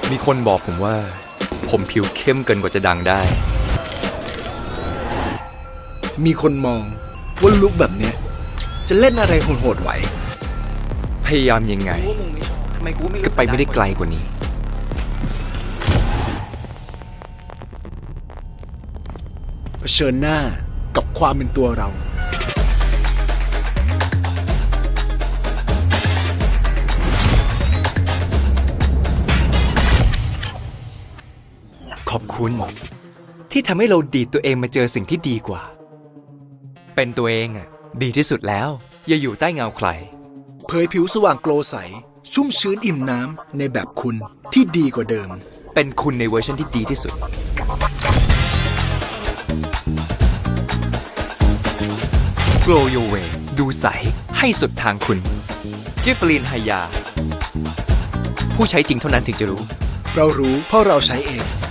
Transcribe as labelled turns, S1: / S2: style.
S1: มีคนบอกผมว่า ผมผิวเข้มเกินกว่าจะดังได้
S2: มีคนมองว่าลุคแบบเนี้ยจะเล่นอะไรโหดๆไหว
S1: พยายามยังไง
S3: กูว่ามึงไม่ชอบทำไมกูไม่
S1: ก็ไปไม่ได้ไกลกว่านี้
S2: เผชิญหน้ากับความเป็นตัวเรา
S1: ขอบคุณ ที่ทำให้เราดีดตัวเองมาเจอสิ่งที่ดีกว่า เป็นตัวเองอ่ะ ดีที่สุดแล้ว อย่าอยู่ใต้เงาใคร
S2: เผยผิวสว่างโกลใส ชุ่มชื้นอิ่มน้ำในแบบคุณที่ดีกว่าเดิม
S1: เป็นคุณในเวอร์ชันที่ดีที่สุด Glow Your Way ดูใสให้สุดทางคุณกิฟฟลีนไฮยา ผู้ใช้จริงเท่านั้นถึงจะรู้
S2: เรารู้เพราะเราใช้เอง